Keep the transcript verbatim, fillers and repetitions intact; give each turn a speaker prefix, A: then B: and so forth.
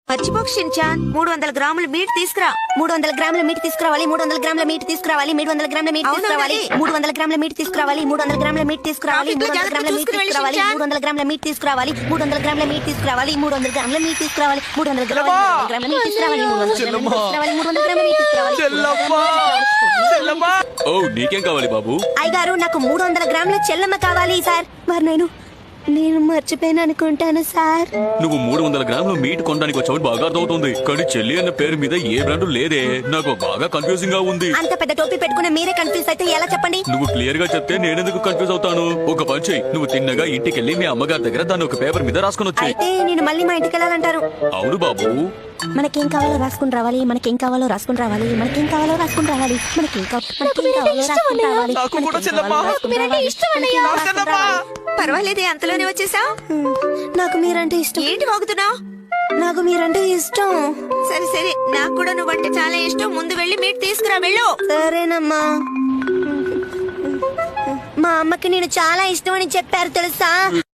A: మర్చిపోకు షిన్చాన్, మూడు వందల గ్రాముల మీట్ తీసుకురా.
B: మూడు వందల గ్రాముల మీట్ తీసుకురావాలి మూడు వందల గ్రాముల మీట్ తీసుకురావాలి మూడు వందల గ్రాముల మీట్ తీసుకురావాలి మూడు వందల గ్రాముల మీట్ తీసుకురావాలి మూడు వందల గ్రాముల మీట్ తీసుకురావాలి మూడు వందల గ్రాముల మీట్ తీసుకురావాలి మూడు వందల గ్రాముల మీట్ తీసుకురావాలి మూడు వందల గ్రాముల మీట్ తీసుకురావాలి మూడు వందల గ్రాముల మీట్ తీసుకురావాలి మూడు వందల గ్రాముల మీట్ తీసుకురావాలి మూడు వందల గ్రాముల మూడు వందల గ్రాముల మీట్ తీసుకురావాలి.
C: ఓ నీకేం కావాలి బాబు?
B: అయ్యగారు నాకు మూడు వందల గ్రాముల చెల్లమ్మ కావాలి సార్. మరి నేను నేను మర్చిపోయాను అనుకుంటాను సార్.
C: నువ్వు మూడు వందల గ్రాములు మీట్ కొనడానికి వచ్చావు బాగా అర్థమవుతుంది, కానీ చెల్లి అన్న పేరు మీద ఏ బ్రాండ్ లేదే. నాకు బాగా కన్ఫ్యూజింగ్ గా ఉంది.
B: అంత పెద్ద టోపీ పెట్టుకుని మీరే కన్ఫ్యూజ్ అయితే ఎలా చెప్పండి?
C: నువ్వు క్లియర్ గా చెప్తే నేనెందుకు కన్ఫ్యూజ్ అవుతాను? ఒక పని చెయ్యి, నువ్వు తిన్నగా ఇంటికెళ్ళి మీ అమ్మగారి దగ్గర దాన్ని ఒక పేపర్ మీద రాసుకుని వచ్చి.
B: అయితే నేను మళ్ళీ మా ఇంటికి వెళ్ళాలంటారు?
C: అవును బాబు.
B: మనకేం కావాలో రాసుకుని రావాలి మనకేం కావాలో రాసుకుని రావాలి మనకేం కావాలో రాసుకుని రావాలి మనకేం కావాలో రాసుకుని రావాలి.
A: పర్వాలేదే, అంతలోనే వచ్చేసా.
B: నాకు మీరంటే ఇష్టం.
A: ఏంటి వాగుతున్నావు?
B: నాకు మీరంటే ఇష్టం.
A: సరే సరే, నాకు కూడా నువ్వంటే చాలా ఇష్టం. ముందు వెళ్ళి మీట్ తీసుకురా, వెళ్ళు.
B: సరేనమ్మా. మా అమ్మకి నేను చాలా ఇష్టం అని చెప్పారు తెలుసా.